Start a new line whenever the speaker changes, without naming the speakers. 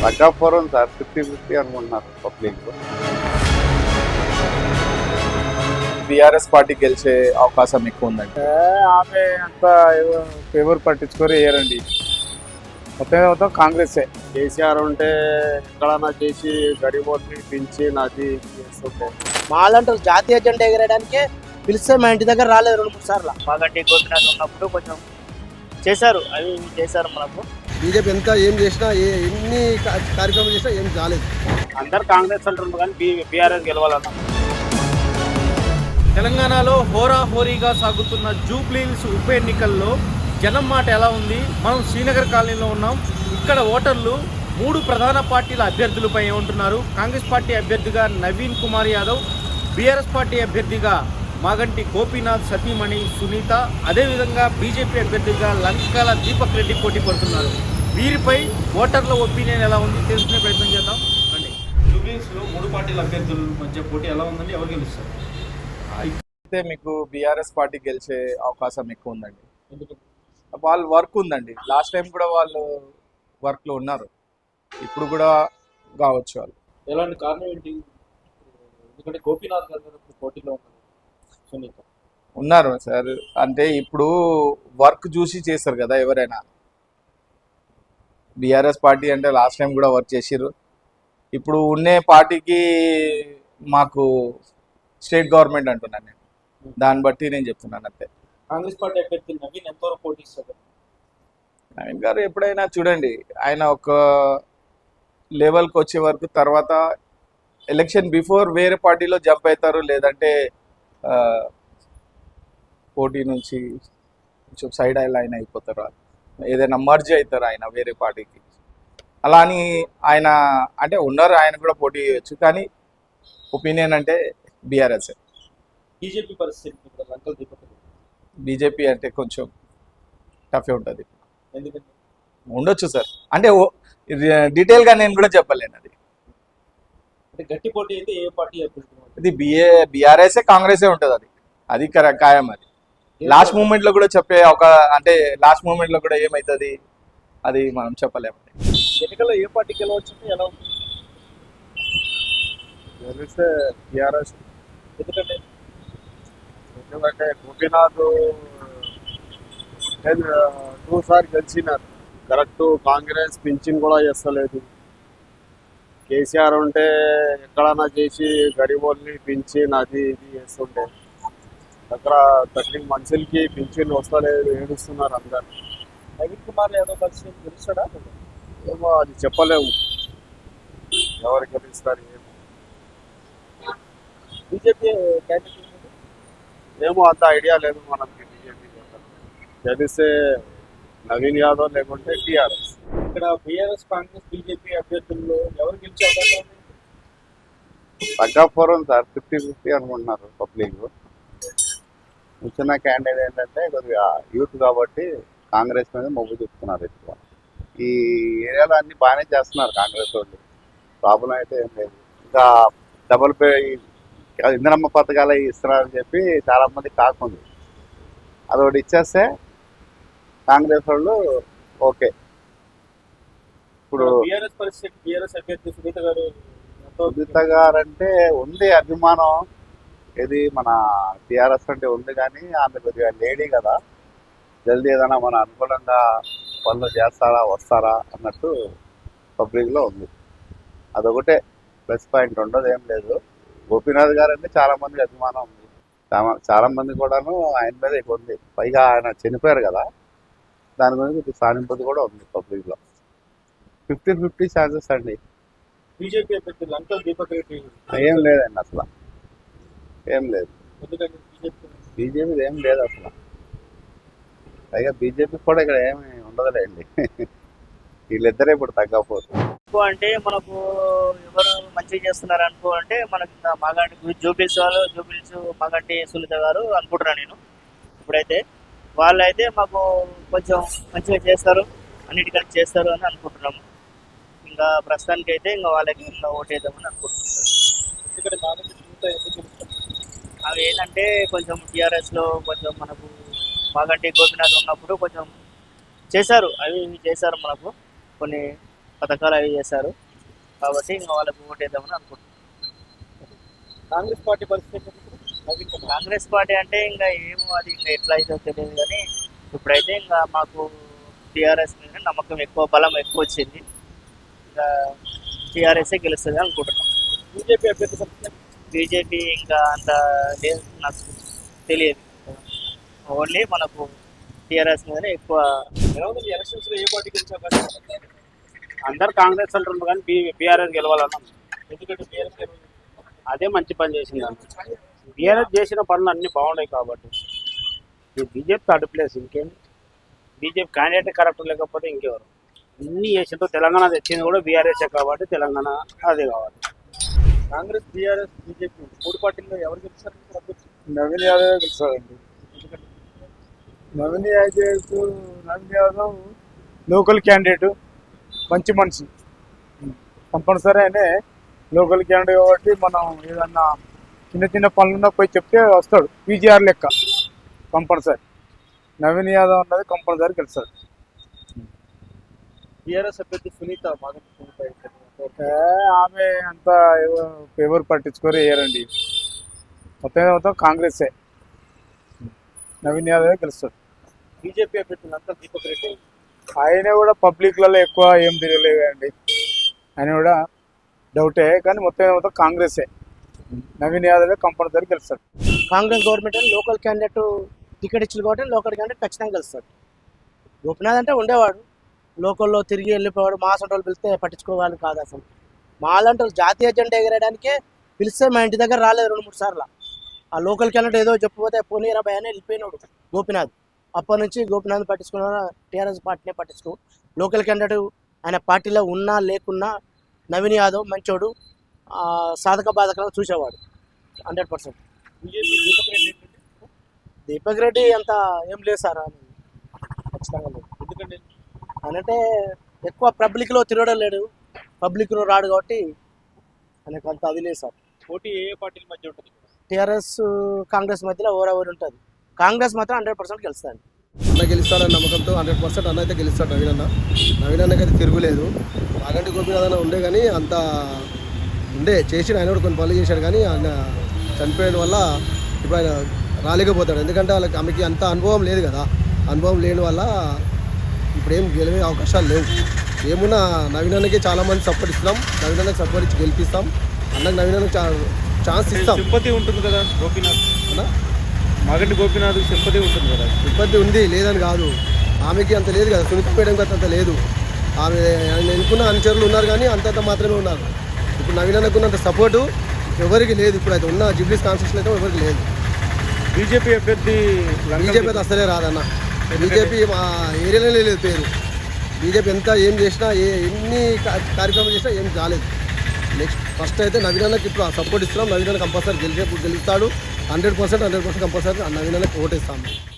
తగ్గాపురం sir 50-50 అనుకుంటున్నారు public.
BRS party గెలిచే అవకాశం ఎక్కువ ఉందండి.
ఆమె అంత ఎవరు పట్టించుకొని వేయరండి. మొత్తం కాంగ్రెసే.
కేసీఆర్ ఉంటే ఎక్కడన్నా చేసి గరీబోల్ని పెంచి నది చేస్తుంటే
మాలాంటి జాతీయ జెండా ఎగరడానికే పిలిస్తే మా ఇంటి దగ్గర రాలేదు 2-3 సార్లు.
మాగంటి గోపినాథ్ ఉన్నప్పుడు కొంచెం చేశారు, అవి చేశారు మనకు.
బీజేపీ ఎంత ఏం చేసినా ఎన్ని కార్యక్రమాలు చేసినా ఏం కాలేదు.
అందరు కాంగ్రెస్ అంటున్నారు కానీ బీఆర్ఎస్ గెలవాలన్నా.
తెలంగాణలో హోరాహోరీగా సాగుతున్న జూబ్లీహిల్స్ ఉప ఎన్నికల్లో జనం మాట ఎలా ఉంది? మనం శ్రీనగర్ కాలనీలో ఉన్నాం. ఇక్కడ ఓటర్లు 3 ప్రధాన పార్టీల అభ్యర్థులపై ఏమంటున్నారు? కాంగ్రెస్ పార్టీ అభ్యర్థిగా నవీన్ కుమార్ యాదవ్, బీఆర్ఎస్ పార్టీ అభ్యర్థిగా మాగంటి గోపీనాథ్ సతీమణి సునీత, అదేవిధంగా బీజేపీ అభ్యర్థిగా లంకాల దీపక్ రెడ్డి పోటీ పడుతున్నారు. వీరిపై ఓటర్ల ఒపీనియన్ ఎలా ఉంది తెలుసుకునే ప్రయత్నం చేద్దాం రండి. జూబ్లీహిల్స్లో 3 పార్టీల అభ్యర్థుల మధ్య పోటీ ఎలా ఉందండి? ఎవరు గెలుస్తారు?
అయితే మీకు బీఆర్ఎస్ పార్టీ గెలిచే అవకాశం ఎక్కువ ఉందండి. వాళ్ళు వర్క్ ఉందండి. లాస్ట్ టైం కూడా వాళ్ళు వర్క్లో ఉన్నారు, ఇప్పుడు కూడా కావచ్చు. వాళ్ళు
ఎలాంటి కారణం ఏంటి? ఎందుకంటే గోపీనాథ్ గారు పోటీలో ఉన్నారు, సునీత
ఉన్నారు సార్. అంటే ఇప్పుడు వర్క్ చూసి చేస్తారు కదా ఎవరైనా. బీఆర్ఎస్ పార్టీ అంటే లాస్ట్ టైం కూడా వర్క్ చేసిర్రు. ఇప్పుడు ఉండే పార్టీకి మాకు స్టేట్ గవర్నమెంట్ అంటున్నాను నేను, దాన్ని బట్టి నేను చెప్తున్నాను అంతే.
కాంగ్రెస్ పార్టీ అభ్యర్థి నవీన్ ఎంతవరకు పోటీ ఇస్తారు?
నవీన్ గారు ఎప్పుడైనా చూడండి, ఆయన ఒక లెవెల్కి వచ్చే వరకు తర్వాత ఎలక్షన్ బిఫోర్ వేరే పార్టీలో జంప్ అవుతారు, లేదంటే పోటీ నుంచి కొంచెం సైడ్ లైన్ అయిపోతారు, ఏదైనా మర్జ్ అవుతారు ఆయన వేరే పార్టీకి. అలా అని ఆయన అంటే ఉన్నారు, ఆయన కూడా పోటీ చేయొచ్చు. కానీ ఒపీనియన్ అంటే బీఆర్ఎస్.
బీజేపీ పరిస్థితి లంకల్ దీపక్
బీజేపీ అంటే కొంచెం టఫే ఉంటుంది.
ఎందుకంటే
ఉండొచ్చు సార్, అంటే డీటెయిల్గా నేను కూడా చెప్పలేను. అది
అంటే గట్టి పోటీ అయితే ఏ పార్టీ అభ్యర్థి?
ఇది బీఆర్ఎస్ కాంగ్రెసే ఉంటుంది. అది ఖాయం. అది లాస్ట్ మూమెంట్ లో కూడా చెప్పే ఒక అంటే లాస్ట్ మూమెంట్ లో కూడా ఏమవుతుంది అది మనం చెప్పలేము.
ఎన్నికల్లో ఏ పార్టీ గెలవచ్చు ఎలా ఉంటుంది?
గెలిస్తే టీఆర్ఎస్.
ఎందుకంటే
గోపీనాథ్ 2 సార్లు గెలిచినారు. కరెక్ట్ కాంగ్రెస్ పింఛన్ కూడా చేస్తలేదు. కేసీఆర్ ఉంటే ఎక్కడన్నా చేసి గరీబోల్ని పింఛన్ అది ఇది చేస్తుంటే దగ్గర 13 మనుషులకి పింఛన్ వస్తలేదు, ఏడుస్తున్నారు అందరు.
నవీన్ కుమార్ యాదవ్ కలిసి గెలుస్తాడా?
ఏమో అది చెప్పలేము, ఎవరు గెలుస్తారు ఏమో.
బీజేపీ క్యాండిడేట్
ఏమో అంత ఐడియా లేదు మనకి. బీజేపీ గెలిస్తే నవీన్ యాదవ్ లేకుంటే టీఆర్ఎస్.
ఇక్కడ బీఆర్ఎస్ కాంగ్రెస్ బీజేపీ అభ్యర్థుల్లో ఎవరు గెలిచే అవకాశం ఉంది?
తగ్గాపురం సార్ 50-50 అనుకుంటున్నారు పబ్లిక్. వచ్చిన క్యాండిడేట్ ఏంటంటే కొద్దిగా యూత్ కాబట్టి కాంగ్రెస్ మీద మొగ్గు చూపుతున్నారు ఎక్కువ. ఈ ఏరియాలో అన్ని బాగానే చేస్తున్నారు కాంగ్రెస్ వాళ్ళు, ప్రాబ్లం అయితే ఏం లేదు. ఇంకా డబుల్ పే ఇంధనమ్మ పథకాలు ఇస్తున్నారని చెప్పి చాలా మంది కాకుంది. అదొకటి ఇచ్చేస్తే కాంగ్రెస్ వాళ్ళు ఓకే. ఇప్పుడు
బీఆర్ఎస్ పరిస్థితి, బీఆర్ఎస్ అభ్యర్థి సునీత
గారు అంటే ఉంది అభిమానం. ఇది మన టీఆర్ఎస్ అంటే ఉంది, కానీ ఆమె కొద్దిగా లేడీ కదా, జల్దీ ఏదైనా మన అనుకూలంగా పనులు చేస్తారా వస్తారా అన్నట్టు పబ్లిక్లో ఉంది. అదొకటే ప్లస్ పాయింట్, ఉండదు ఏం లేదు. గోపీనాథ్ గారు అంటే చాలా మంది అభిమానం ఉంది, చాలా మంది కూడాను ఆయన మీద ఎక్కువ ఉంది. పైగా ఆయన చనిపోయారు కదా, దాని గురించి సానుభూతి కూడా ఉంది పబ్లిక్లో. 50-50 ఛాన్సెస్ అండి.
బీజేపీ అభ్యర్థి లంకల్ దీపక్ రెడ్డి
ఏం లేదండి అసలు, ఏం లేదు.
ఎందుకంటే
బీజేపీ ఏం లేదు అసలు. పైగా బీజేపీ కూడా ఇక్కడ ఏమి ఉండదులేండి. వీళ్ళిద్దరే ఇప్పుడు తగ్గకపోతుంది.
అంటే మనకు ఎవరు మంచిగా చేస్తున్నారు అనుకో అంటే మనకి మాగంటి జూబ్లీహిల్స్ మాగంటి సునీత గారు అనుకుంటున్నాను నేను. ఇప్పుడైతే వాళ్ళు అయితే మాకు కొంచెం మంచిగా చేస్తారు, అన్నిటికన్నా చేస్తారు అని అనుకుంటున్నాము. ఇంకా ప్రస్తుతానికి అయితే ఇంకా వాళ్ళకి ఇంకా ఓటేద్దామని అనుకుంటున్నాం.
ఎందుకంటే మాగంటి సునీత ఎందుకు
అవి ఏంటంటే కొంచెం టీఆర్ఎస్లో కొంచెం మనకు మాగంటి గోపినాథ్ ఉన్నప్పుడు కొంచెం చేశారు, అవి చేశారు మనకు కొన్ని పథకాలు అవి చేశారు కాబట్టి ఇంకా వాళ్ళకి ఓటేద్దామని అనుకుంటున్నాం.
కాంగ్రెస్ పార్టీ పరిస్థితి
కాంగ్రెస్ పార్టీ అంటే ఇంకా ఏమో అది ఇంకా ఎట్లా అయితే తెలియదు కానీ ఇప్పుడైతే ఇంకా మాకు టీఆర్ఎస్ మీద నమ్మకం ఎక్కువ, బలం ఎక్కువ వచ్చింది. ఇంకా టీఆర్ఎస్ఏ గెలుస్తుంది అనుకుంటున్నాం.
బీజేపీ అభ్యర్థి పరిస్థితి
బీజేపీ ఇంకా అంత లేదు, నాకు తెలియదు. ఓన్లీ మనకు టీఆర్ఎస్ మీదనే ఎక్కువ.
ఎలా ఉంది ఎలక్షన్స్ లో ఏ పార్టీ గెలిచే అవకాశం ఉంది?
అందరు కాంగ్రెస్ అంటున్నారు కానీ బీఆర్ఎస్ గెలవాలన్నా.
ఎందుకంటే టీఆర్ఎస్
అదే మంచి పని చేసింది అన్న. బీఆర్ఎస్ చేసిన పనులు అన్ని బాగున్నాయి కాబట్టి ఈ బీజేపీ థర్డ్ ప్లేస్. ఇంకేం బీజేపీ క్యాండిడేట్ కరెక్ట్ లేకపోతే ఇంకెవరు ఇన్ని చేసిందో తెలంగాణ తెచ్చింది కూడా బీఆర్ఎస్ కాబట్టి తెలంగాణ అదే కావాలి.
కాంగ్రెస్, టీఆర్ఎస్, బీజేపీ 3 పార్టీల్లో ఎవరు గెలుస్తారు?
నవీన్ యాదవ్ గెలుస్తాడండి. నవీన్ యాదవ్ లోకల్ క్యాండిడేట్, మంచి మనిషి. కంపల్సరీ ఆయనే లోకల్ క్యాండిడేట్ కాబట్టి మనం ఏదన్నా చిన్న చిన్న పనులున్నా పోయి చెప్తే వస్తాడు. పీజీఆర్ లెక్క కంపల్సరీ నవీన్ యాదవ్ అన్నది కంపల్సరీ గెలుస్తాడు.
టీఆర్ఎస్ అభ్యర్థి సునీత మాగంటి సునీత
ఆమె అంత ఎవరు పట్టించుకొని వేయరండి. మొత్తం కాంగ్రెసే. నవీన్ యాదవ్ గెలుస్తాడు.
బీజేపీ అభ్యర్థులు అంతా దీపక్ రెడ్డి
ఆయన కూడా పబ్లిక్లలో ఎక్కువ ఏం తిరగలేదండి. ఆయన కూడా డౌటే కానీ మొత్తం కాంగ్రెసే. నవీన్ యాదవ్ కంపల్సరీ గెలుస్తాడు.
కాంగ్రెస్ గవర్నమెంట్ అని లోకల్ క్యాండిడేట్ టికెట్ ఇచ్చింది కాబట్టి లోకల్ క్యాండిడేట్ ఖచ్చితంగా గెలుస్తాడు. గోపినాథ్ అంటే ఉండేవాడు, లోకల్లో తిరిగి వెళ్ళిపోయాడు. మా సొంటోళ్ళు పిలిస్తే పట్టించుకోవాలి కాదు అసలు. మా లాంటి వాళ్ళు జాతీయ జెండా ఎగరేయడానికే పిలిస్తే మా ఇంటి దగ్గర రాలేదు 2-3 సార్లు. ఆ లోకల్ క్యాండిడేట్ ఏదో చెప్పిపోతే పోనీ 20 అని వెళ్ళిపోయినాడు గోపినాథ్. అప్పటి నుంచి గోపినాథ్ పట్టించుకున్న టీఆర్ఎస్ పార్టీనే పట్టించుకో. లోకల్ క్యాండిడేట్ ఆయన పార్టీలో ఉన్నా లేకున్నా నవీన్ యాదవ్ మంచోడు, సాధక బాధకాలను చూసేవాడు 100%.
బీజేపీ దీపక్ రెడ్డి
దీపక్ రెడ్డి అంత ఏం లేదు సార్, ఖచ్చితంగా లేదు.
ఎందుకంటే
అంటే ఎక్కువ పబ్లిక్లో తిరగడం లేడు, పబ్లిక్లో రాడు కాబట్టి ఆయనకు అంత అది లేదు సార్.
పోటీ ఏ పార్టీల మధ్య ఉంటుంది?
టీఆర్ఎస్ కాంగ్రెస్ మధ్యలో ఓవర్ ఉంటుంది. కాంగ్రెస్ మాత్రం 100% గెలుస్తుంది.
అన్న గెలుస్తాడన్న నమ్మకంతో 100% అన్న అయితే గెలుస్తాడు. నవీన్ అన్నకి అయితే తిరుగులేదు. మాగంటి గోపీనాథ్ అన్న ఉండే కానీ అంత ఉండే చేసి ఆయన కూడా కొన్ని పనులు చేశాడు కానీ ఆయన చనిపోయిన వల్ల ఇప్పుడు ఆయన రాలేకపోతాడు. ఎందుకంటే వాళ్ళకి ఆమెకి అంత అనుభవం లేదు కదా. అనుభవం లేని వల్ల ఇప్పుడు ఏం గెలివే అవకాశాలు లేవు. ఏమున్నా నవీన్ అన్నకి చాలామంది సపోర్ట్ ఇస్తున్నాం. నవీన్ అన్నకి సపోర్ట్ ఇచ్చి గెలిపిస్తాం. అన్నకి నవీన్ అన్నకి ఛాన్స్ ఇస్తాం.
సింపతి ఉంటుంది కదా గోపీనాథ్
అన్న
మాగంటి గోపీనాథ్ సింపతి ఉంటుంది కదా.
ఇబ్బంది ఉంది లేదని కాదు, ఆమెకి అంత లేదు కదా. సునీత మేడం గత అంత లేదు. ఆమె ఆయన ఎన్నుకున్న అనుచరులు ఉన్నారు కానీ అంతంత మాత్రమే ఉన్నారు. ఇప్పుడు నవీన్ అన్నకున్నంత సపోర్టు ఎవరికి లేదు. ఇప్పుడు అయితే ఉన్న జిబ్లీస్ కాన్స్టిట్యూషన్ అయితే ఎవరికి లేదు.
బీజేపీ అభ్యర్థి
బీజేపీ అయితే అసలే రాదన్న. బీజేపీ మా ఏరియాలోనే లేదు పేరు. బీజేపీ ఎంత ఏం చేసినా ఎన్ని కార్యక్రమాలు చేసినా ఏం కాలేదు. నెక్స్ట్ ఫస్ట్ అయితే నవీన్ అన్నకి ఇప్పుడు సపోర్ట్ ఇస్తున్నాం. నవీన్ అన్న కంపల్సరీ గెలుస్తాడు. 100% కంపల్సరీ నవీన్ అన్నకి ఓటేస్తాము.